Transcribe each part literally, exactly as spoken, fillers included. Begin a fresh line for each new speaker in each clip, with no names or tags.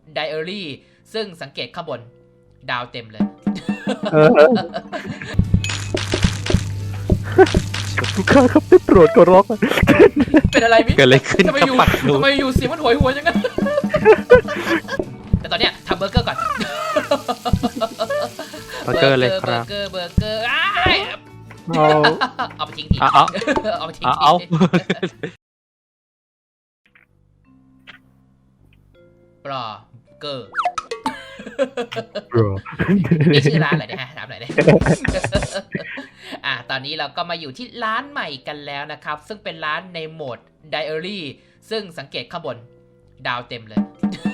ไดอารี่ซึ่งสังเกตข้างบนดาวเต็มเลย
ลูกค้าครับได้โปรดขอร้อง
เป็นอะไรมิ
เกิดอะไรขึ้น
ทำไมอยู่ทำไมอยู่เสียงมันหวยหวยอย่างนั้นแต่ตอนเนี้ยทำเบอร์เกอร์ก่อน
เบอร์เกอร์เลยครับ
เบอร์เกอร์เบอร์เกอร์อ้าย
เอา
เอาไปทิ้งที
เอา
เอาไปทิ้ง
เอา
ที
เอา
ปลาเกอร์
บร
นี่ชื่อร้านอะไรเนี่ยฮะถามหน่อยเลยอ่ะตอนนี้เราก็มาอยู่ที่ร้านใหม่กันแล้วนะครับซึ่งเป็นร้านในโหมดไดอารี่ซึ่งสังเกตข้างบนดาวเต็มเลย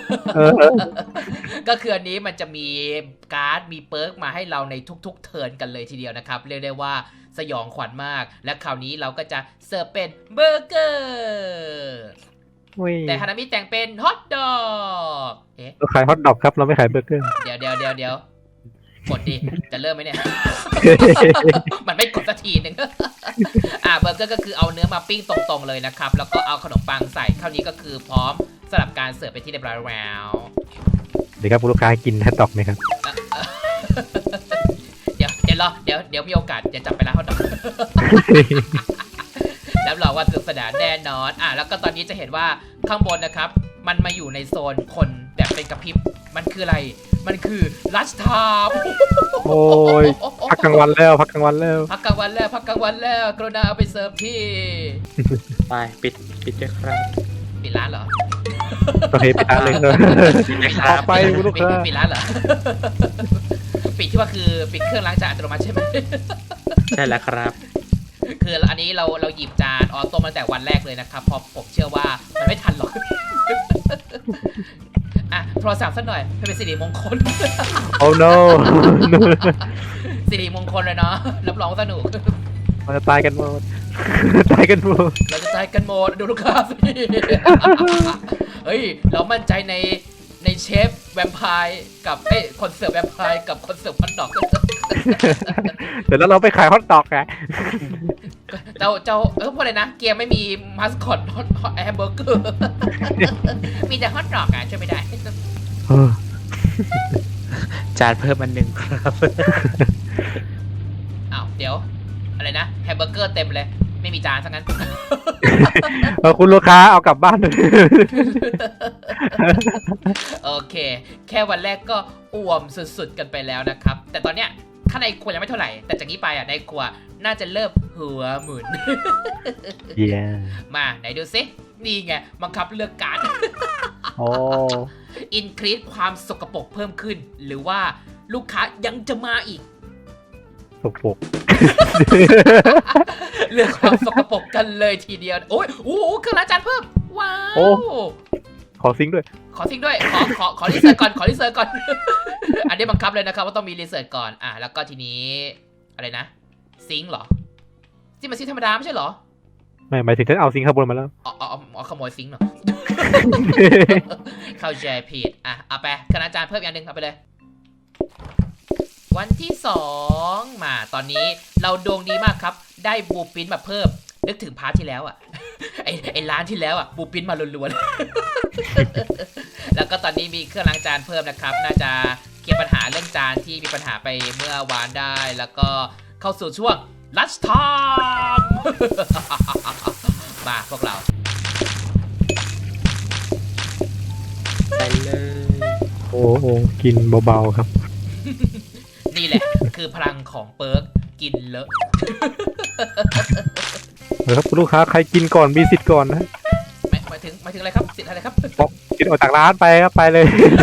ก็คืออันนี้มันจะมีการ์ดมีเปิร์กมาให้เราในทุกๆเทิร์นกันเลยทีเดียวนะครับเรียกได้ว่าสยองขวัญมากและคราวนี้เราก็จะเสิร์ฟเป็นเบอร์เกอร์แต่ฮานามิแต่งเป็นฮอทดอกเอ๊ะ
เราขายฮอทดอกครับเราไม่ขายเบอร์เกอร์
เดี๋ยวเดี๋ยวเดี๋ยวเดี๋ยวกดดิจะเริ่มไหมเนี่ย มันไม่กดสักทีหนึ่ง อ่าเบอร์เกอร์ก็คือเอาเนื้อมาปิ้งตรงๆเลยนะครับแล้วก็เอาขนมปังใส่เท่านี้ก็คือพร้อมสำหรับการเสิร์ฟไปที่เรียบร้อยแล้ว
เดี๋ยวครับคุณลูกค้ากินฮอทดอกไหมครับ
เดี๋ยวเดี๋ยวรอเดี๋ยวเดี๋ยวมีโอกาสจะจับไปร้านฮอทดอก รับรองว่าสนุกสนานแน่นอนอ่ะแล้วก็ตอนนี้จะเห็นว่าข้างบนนะครับมันมาอยู่ในโซนคนแบบเป็นกระพริบมันคืออะไรมันคือลัชไทม์
โอ้ยพักกลางวันแล้วพักกลางวันแล้ว
พักกลางวันแล้วพักกลางวันแล้วกรุณาเอาไปเสิร์ฟที่
ไปปิดปิดด้วยครับ
ปิดร้านเหรอ
โอเคไปทานเลยเนอะ
ปิดด้วยค
อ
รั
อบ กไปคุณลูก
ปิด
ค้า
ปิดร้านเหรอ ปิดที่ว่าคือปิดเครื่องล้างจานอัตโนมัติใช่ไหม
ใช่แล้วครับ
คืออันนี้เราเราหยิบจานออโต้มาแต่วันแรกเลยนะครับเพราะผมเชื่อว่ามันไม่ทันหรอก อ่ะโทรศัพท์สักหน่อยให้เป็นสิริมงคล
โอ้ no
สิริมงคลเลยเนาะรับรองสนุก
มันจะตายกันหมด ตายกันหมด
เราจะตายกันหมดดูลูกค้าสิ เฮ้ยเรามั่นใจในในเชฟแวมไพร์กับเอ้ยคนเสิร์ฟแวมไพร์กับคนเสิร์ฟฮอทดอก
เดี๋ยวเราไปขายฮอทดอกอะ
เจ้าเจ้าเออพูดเลยนะเกียร์ไม่มีมาสคอตฮอตฮอตแฮมเบอร์เกอร์ มีแต่ฮอทดอกอ่ะช่วยไม่ได้
จานเพิ่มอันหนึ่งครับ
อ้าวเดี๋ยวอะไรนะแฮมเบอร์เกอร์เต็มเลยไม่มีจานซะงั้น
เออคุณลูกค้าเอากลับบ้านเลย
โอเคแค่วันแรกก็อ่วมสุดๆกันไปแล้วนะครับแต่ตอนเนี้ยข้างในครัวยังไม่เท่าไหร่แต่จากนี้ไปอ่ะในครัวน่าจะเริ่มหัวหมุน
เยี่ย
มาไหนดูซินี่ไงบังคับเลือกการ
โอ้
อินครีสความสกปรกเพิ่มขึ้น หรือว่าลูกค้ายังจะมาอีก
สกปรก
เรื่องความสกปรกกันเลยทีเดียวโอ้ยโอ้โหเครื่องล้างจานเพิ่มว้าว
โอ้ ขอซิงค์ด้วย
ขอทิ้งด้วยขอขอขอรีเสิร์ชก่อนขอรีเสิร์ชก่อน อันนี้บังคับเลยนะครับว่าต้องมีรีเสิร์ชก่อนอ่ะแล้วก็ทีนี้อะไรนะซิงค์เหรอที่มันซิงค์ธรรมดาไม่ใช่เหรอ
ไม่หมายถึงฉันเอาซิงค์ข้างบนมาแล้ว
อ๋ออ๋ออ๋อขโมยซิงค์เหรอ เข้าใจผิดอ่ะเอาไปคณาจารย์เพิ่มอย่างหนึ่งเอาไปเลยวันที่สองมาตอนนี้เราดวงดีมากครับได้บูปินมาเพิ่มนึกถึงพาร์ทที่แล้วอ่ะ ไอไอร้านที่แล้วอ่ะบูปินมาล้วนๆ แล้วก็ตอนนี้มีเครื่องล้างจานเพิ่มนะครับน่าจะเคลียร์ปัญหาเรื่องจานที่มีปัญหาไปเมื่อวานได้แล้วก็เข้าสู่ช่วงลัชไทม์ มาพวกเรา
ไปเลย
โอ้โหกินเบาๆครับ
นี่แหละ คือพลังของเปิร์กกินเลอะ
เออครับคุณลูกค้าใครกินก่อนมีสิทธิ์ก่อนนะ
หมายหมายถึงหมายถึงอะไรครับสิทธิ์อะไรครับ
กินออกจากร้านไปครับไปเลย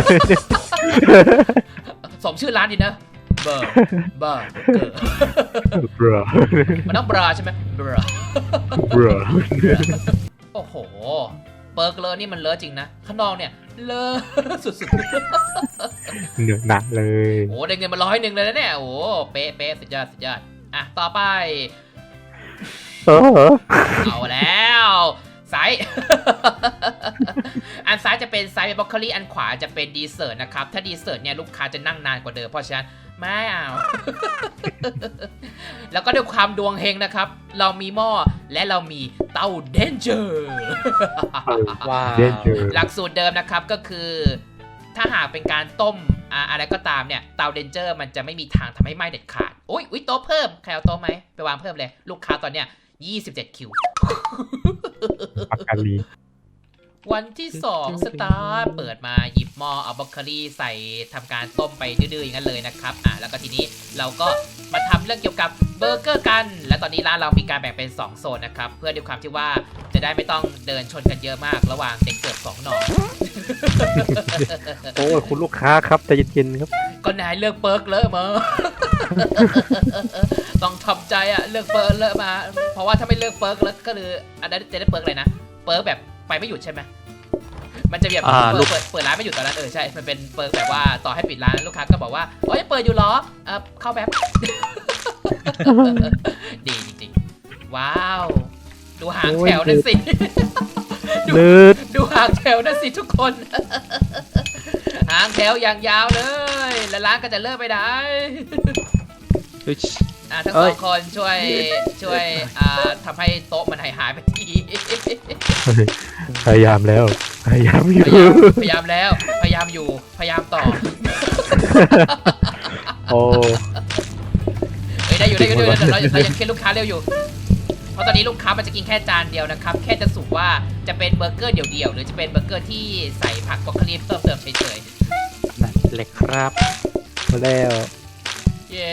สมชื่อร้านดีนะเบอร์เบอร์เกอร์
บร
มันต้องบราใช่ไหมบรา
บร
โอ้โหเปิร์กเลอะนี่มันเลอะจริงนะข้างนอกเนี่ยเลอะ สุด
เหนื่อยหนักเลย
ๆโอ้ได้เงินมาร้อยหนึ่งเลยนะเนี่ยโอ้เป๊ะเป๊ะสุดยอดสุดยอดอ่ะต่อไป
เออ
เอาแล้วไซส์ อันซ้ายจะเป็นไซส์บล็อกโคลี่อันขวาจะเป็นดีเซอร์นะครับถ้าดีเซอร์เนี่ยลูกค้าจะนั่งนานกว่าเดิมเพราะฉะนั้นไม่เอา แล้วก็ด้วยความดวงเฮงนะครับเรามีหม้อและเรามีเตาเดนเจอร์
ว้าว
เด่นเจอ
หลักสูตรเดิมนะครับก็คือถ้าหากเป็นการต้มอะอะไรก็ตามเนี่ยเตาเดนเจอร์มันจะไม่มีทางทำให้ไหม้เด็ดขาดอุ้ยอุ้ยโต๊ะเพิ่มใครเอาโต๊ะไหมไปวางเพิ่มเลยลูกค้าตอนเนี้ยยี่สิบเจ็ดคิว
ปากกาลี
วันที่สองสตาร์ทเปิดมาหยิบหม้อเอาบรอกโคลีใส่ทำการต้มไปดื้อๆอย่างนั้นเลยนะครับอ่ะแล้วก็ทีนี้เราก็มาทำเรื่องเกี่ยวกับเบอร์เกอร์กันและตอนนี้ร้านเรามีการแบ่งเป็นสองโซนนะครับเพื่อด้วยความที่ว่าจะได้ไม่ต้องเดินชนกันเยอะมากระหว่างเด็กเสิร์ฟสองหน่อ
โอ้ยคุณลูกค้าครับใจเย็นๆครับ
ก็นายเลือกเปิร์กเลอะมา ต้องทำใจอะเลือกเปิร์กเลอะมา เพราะว่าถ้าไม่เลือกเปิร์กแล้วก็คืออันนั้นจะได้เปิร์กอะไรนะเปิร์กแบบไปไม่หยุดใช่ไหมมันจะแบบ
อ่า
เปิ
ลู
ด
ก
เปิดเปิดร้านไม่หยุดตอนนั้นเออใช่มันเป็นเปิร์กแบบว่าต่อให้ปิดร้านลูกค้าก็บอกว่าโอ้ยเปิดอยู่เหรอเออเข้าแบบ ดีจริงๆว้าวดูหางแถวนั่นสิ ดู
ลืด
ดูหางแถวนั่นสิทุกคน หางแถวอย่างยาวเลย แล้วร้านก็จะเลิกไปได้
อุ๊ย
อ่ะทั้ง
เอ้
สอย งคนช่วยช่วยอ่าทำให้โต๊ะมันหายหายๆไปที
พยายามแล้วพยายามอ
พ
ยู่
ยายามพยายามแล้วพยายามอยู่พยายามต่อ
โอ้
เฮ้ยได้อยู่ได้อยู่ได้อยู่เราเรายังเคลียร์ลูกค้าเร็วอยู่ เพราะตอนนี้ลูกค้ามันจะกินแค่จานเดียวนะครับแค่จะสุกว่าจะเป็นเบอร์เกอร์เดี่ยวๆหรือจะเป็นเบอร์เกอร์ที่ใส่ผักบรอกโคลีเพิ่มเติมเฉย
นั่นเลยครับ
มาแล้ว
ๆเย้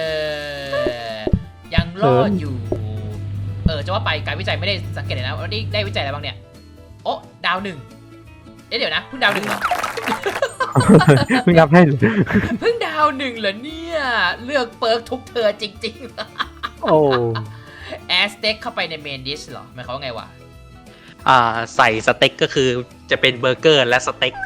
ยังรอดอยู่เออจะว่าไปการวิจัยไม่ได้สังเกตเลยนะว่าได้ได้วิจัยอะไรบ้างเนี่ยโอ้ดาวหนึ่งเอ๊ะเดี๋ยวนะเพิ่งดาวหนึ่งเหรอ
เพิ่งนับให้
เพิ่งดาวหนึ่งเหรอเนี่ยเลือกเปิร์กทุกเธอจริง
โอ้
ๆแอสเต็กเข้าไปในเมนดิชเหรอหมายความว่าไงวะ
อ่าใส่สเต็กก็คือจะเป็นเบอร์เกอร์และสเต็ก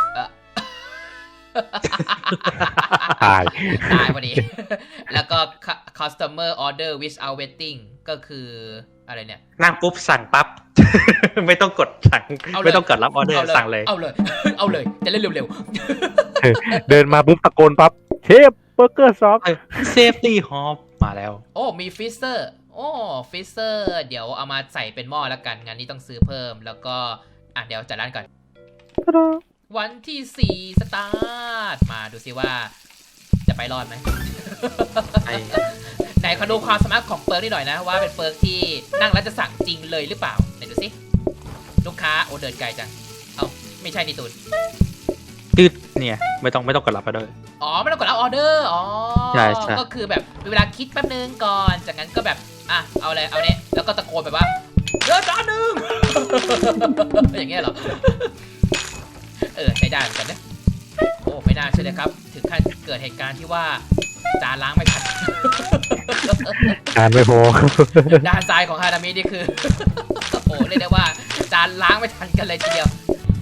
ตาย
ตายพอดี แล้วก็ customer order without waiting ก็คืออะไรเนี่ย
นั่งปุ๊บสั่งปั๊บ ไม่ต้องกดสั่ง
เอาเลย
ไม่ต้องกดรับออเดอร์สั่งเลย
เอาเลย เอาเลย จะเล่นเร็ว
เดินมาปุ๊บตะโกนปั๊บเชฟเบอร์เกอร์ซอฟ
เซฟตี้ฮอปมาแล้ว
ๆ โอ้ มีฟิเซอร์ โอ้ฟิเซอร์ เดี๋ยวเอามาใส่เป็นหม้อแล้วกัน งานนี้ต้องซื้อเพิ่ม แล้วก็ อ่ะ เดี๋ยวจัดร้านก่อน วันที่สี่สตาร์ท มาดูซิว่า จะไปรอดไหม
ไอ้
ไหนขอดูความสามารถของเปิร์กนิดหน่อยนะว่าเป็นเปิร์กที่นั่งแล้วจะสั่งจริงเลยหรือเปล่าไหนดูสิลูกค้าโอเดินไกลจังเอาไม่ใช่นี่ตูน
ตืดเนี่ยไม่ต้องไม่ต้องกดรับออเดอร์
อ๋อไม่ต้องกดรับออเดอร์อ๋อ
ใช่ใช่
ก็คือแบบมีเวลาคิดแป๊บนึงก่อนจากนั้นก็แบบอ่ะเอาอะไรเอาเนี้ยแล้วก็ตะโกนแบบว่าเดินจานหนึ่ง อย่างเงี้ยเหรอเออใช้ได้เหมือนกันนะโอ้ไม่น่าเชื่อเลยครับถึงขั้นเกิดเหตุการณ์ที่ว่าจานล้างไม่ทัน
งานไม่พอ
ด้านซ้ายของฮานามินี่คือ โอ้เรียกได้ว่าจานล้างไม่ทันกันเลยทีเดียว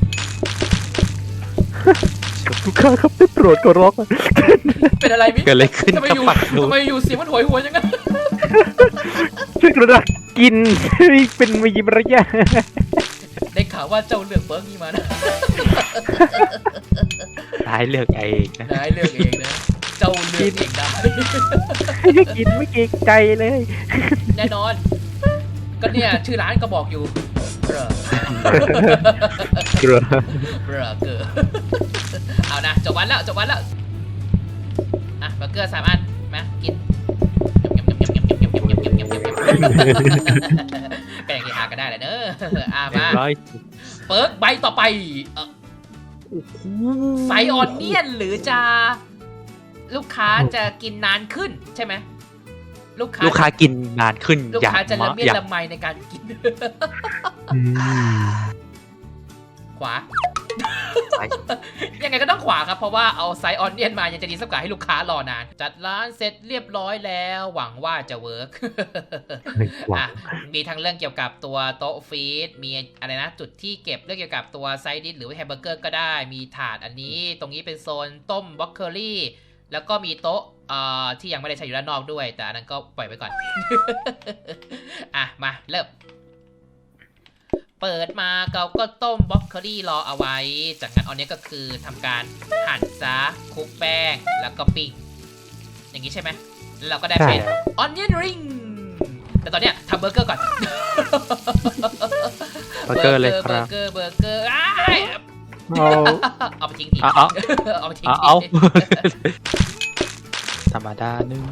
ลูกค้าครับได้โปรดขอร้อง
เป็นอะไรมิ
เกิดอะไรขึ้น
ทำไม
กับ
อยู่
ปักดู
ทำไมอยู่เสียงมันโหวยหวนอย่างนั้น
ช่วยกระดักกินเป็นมีมารยาท
ได้ข่าวว่าเจ้าเลือกเบิร์กนี่มานะ
ร้ายเลือกเองนะ
ได้เลือกเองนะ เจ้าเลือกเองได้
กินไม่เกรงใจเลย
แน่นอน ก็เนี่ยชื่อร้านก็บอกอยู่เบรอ
เกลือ
เบรอเกอร์ เอานะจบวันแล้วจบวันแล้วอ่ะเบอร์เกอร์สามอันมากินก็อย่างที่หากันได้แหละเนอะอ่ะมา
ร้อย
เปิร์กใบต่อไปเอ่อไซออนเนียนหรือจะลูกค้าจะกินนานขึ้นใช่ไหมลูกค้า
ลูกค้ากินนานขึ้น
ลูก
อย่าง
ค้าจะละ
มาก
เมียด
อย่าง
ละไมในการกิน
อืม
ขวา
ไป
ยังไงก็ต้องขวาครับ เพราะว่าเอาไซออนเนียนมายังจะดีสักกว่าให้ลูกค้ารอนาน จัดร้านเสร็จเรียบร้อยแล้วหวังว่าจะเวิร์ก
หวั
อ่ะ
ง
มีทั้งเรื่องเกี่ยวกับตัวโต๊ะฟีดมีอะไรนะ จุดที่เก็บเรื่องเกี่ยวกับตัวไซดิสหรือแฮมเบอร์เกอร์ก็ได้ มีถาดอันนี้ ตรงนี้เป็นโซนต้มบล็อกเคอรี่ แล้วก็มีโต๊ะเอ่อที่ยังไม่ได้ใช้อยู่ด้านนอกด้วย แต่อันนั้นก็ปล่อยไปก่อน อ่ะ มาเริ่ม เปิดมาเราก็ต้มบล็อกเคอรี่รอเอาไว้ จากนั้นอันนี้ก็คือทำการหั่นซะคลุกแป้งแล้วก็ปิ้ง อย่างนี้ใช่ไหมแล้วเราก็ได้เป็นออนเนียนริงแต่ตอนเนี้ยทำเบอร์เกอร์ก่อน
เบอร์เกอร์เลยครับ
เบอร์เกอร์เบอร์เกอร์อ้าย
เอา
เอาไปทิ้งที
เอาเอา
เอาไปทิ้ง
เอา
ที
เอาธรรมดาหนึ่ง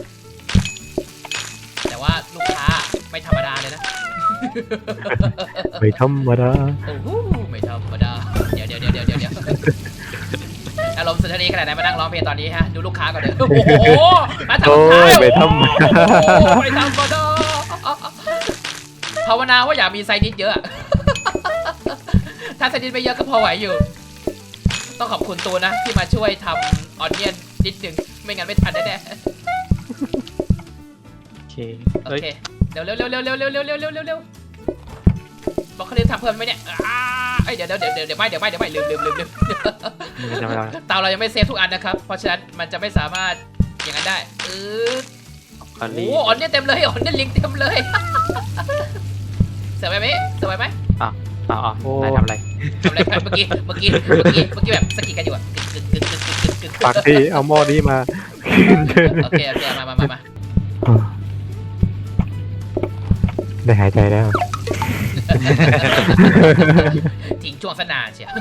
แต่ว่าลูกค้าไม่ธรรมดาเลยนะ
ไม่ธรรมดา
โอ้โหไม่ธรรมดาเดี๋ยวเดี๋ยวเดี๋ยวเดี๋ยวเดี๋ยวอารมณ์สุนทรีขนาดไหนมานั่งร้องเพลงตอนนี้ฮะดูลูกค้าก่อนเลยโอ้โหมาทำ
โอ้
ท้าย
ยไม่ธรรมดา
โอ้ไม่ธรรมดาภาวนาว่าอย่ามีไซนิดเยอะ ถ้าไซนิดไม่เยอะก็พอไหวอยู่ ต้องขอบคุณตูนนะที่มาช่วยทำออนเนียนนิดหนึ่งไม่งั้นไม่ทันแน่
โอเค
ๆโอ
เฮ้ย
เคเร็วเร็วเร็วเร็วเร็วเร็วเร็วเร็วเร็วเร็วเร็วบอกเขาเรียกทำเพิ่มไหมเนี่ยอ้าเอ้ยเดี๋ยวเดี๋ยวเดี๋ยวเดี๋ยวไม่เดี๋ยวไม่เดี๋ยวไม่ลืมลืมลืมลืม
ไม่ได้ไม่ได้
เตาเรายังไม่เซฟทุกอันนะครับ เพราะฉะนั้นมันจะไม่สามารถอย่างนั้นได้เออ
คอ
โอ้
รี่
โหออนเนี่ยเต็มเลยออนเนี่ยลิงเต็มเลย เสร็จไหมเมเสร็จไหม
เอาเอาเอานายทำอะไร
ทำอะไรกันเมื่อกี้เมื่อกี้เมื่อกี้เมื่อกี้แบบสกิดกันอยู่อะกึกกึกกึกกึกกึกกึกกึก
ปากที่เอาหม้อนี้มา
โอเคโอเคมามามามา
ได้หายใจแล้ว
ทิ้งช่วงสนานเชียว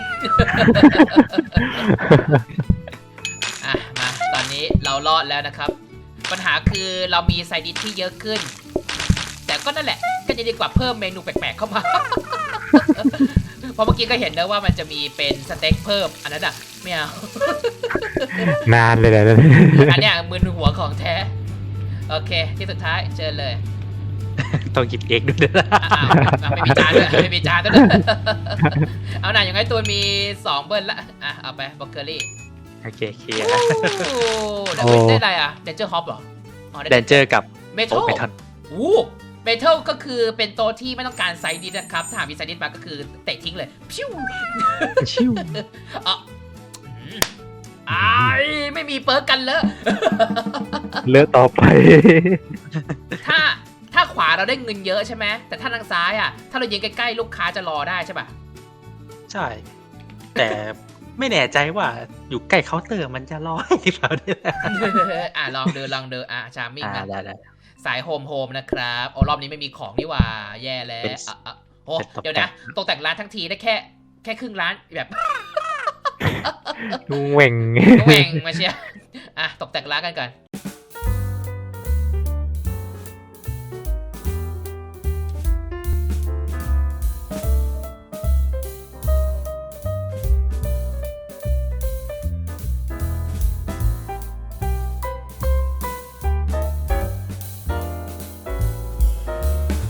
อ่ะมาตอนนี้เรารอดแล้วนะครับ ปัญหาคือเรามีไซดิสที่เยอะขึ้น แต่ก็นั่นแหละก็จะดีกว่าเพิ่มเมนูแปลกๆเข้ามา เพราะเมื่อกี้ก็เห็นนะว่ามันจะมีเป็นสเต็กเพิ่มอันนั้นอ่ะไม่เอา
นานเลยแหละ
อันเนี้ยมึนหัวของแท้ โอเคที่สุดท้ายเชิญเลย
ต้องหยิบเองด้วยนะ
อ้าวอ้าวไม่มีจานด้วยไม่มีจานด้วย เอาหน่าอย่างไรตัวมีสองเบิ้ลละอ่ะเอาไปบล็อกเกอรี่
โอเคเคลียร์
โอ้ได้ได้อะไรอ่ะเดนเจอร์ฮอปเหรออ๋อ
แดนเจอร์กับ
เมทั
โอ
ล
เมทัล
อู้เมทัลก็คือเป็นตัวที่ไม่ต้องการไซดิสนะครับถ้าหากมีไซดิสมาก็คือเตะทิ้งเลยพิ้ว
ชิว
อ่ะอืมอายไม่มีเปิร์กกันเลย
เลือกต่อไป
ถ้าถ้าขวาเราได้เงินเยอะใช่ไหมแต่ถ้าทางซ้ายอ่ะถ้าเรายิงใกล้ๆลูกค้าจะรอได้ใช่ป่ะ
ใช่ แต่ไม่แน่ใจว่าอยู่ใกล้เคาน์เตอร์มันจะร้อยหรือเปล่าเนี่ย
อ่ะลองเดินลองเดินอ่ะชามิ่ง
อ่า
นะ
ได้ได้
สายโฮมโฮมนะครับโอ้รอบนี้ไม่มีของนี่หว่าแย่แล้ว
เป็น
อ่ะอ่ะโอ้
เป็นตกแต่ง
เดี๋ยวนะตกแต่งร้านทั้งทีได้แค่แค่ครึ่งร้านแบบ
เหว่ง
แหว่งมาเชียร์อ่ะตกแต่งร้านกันก่อน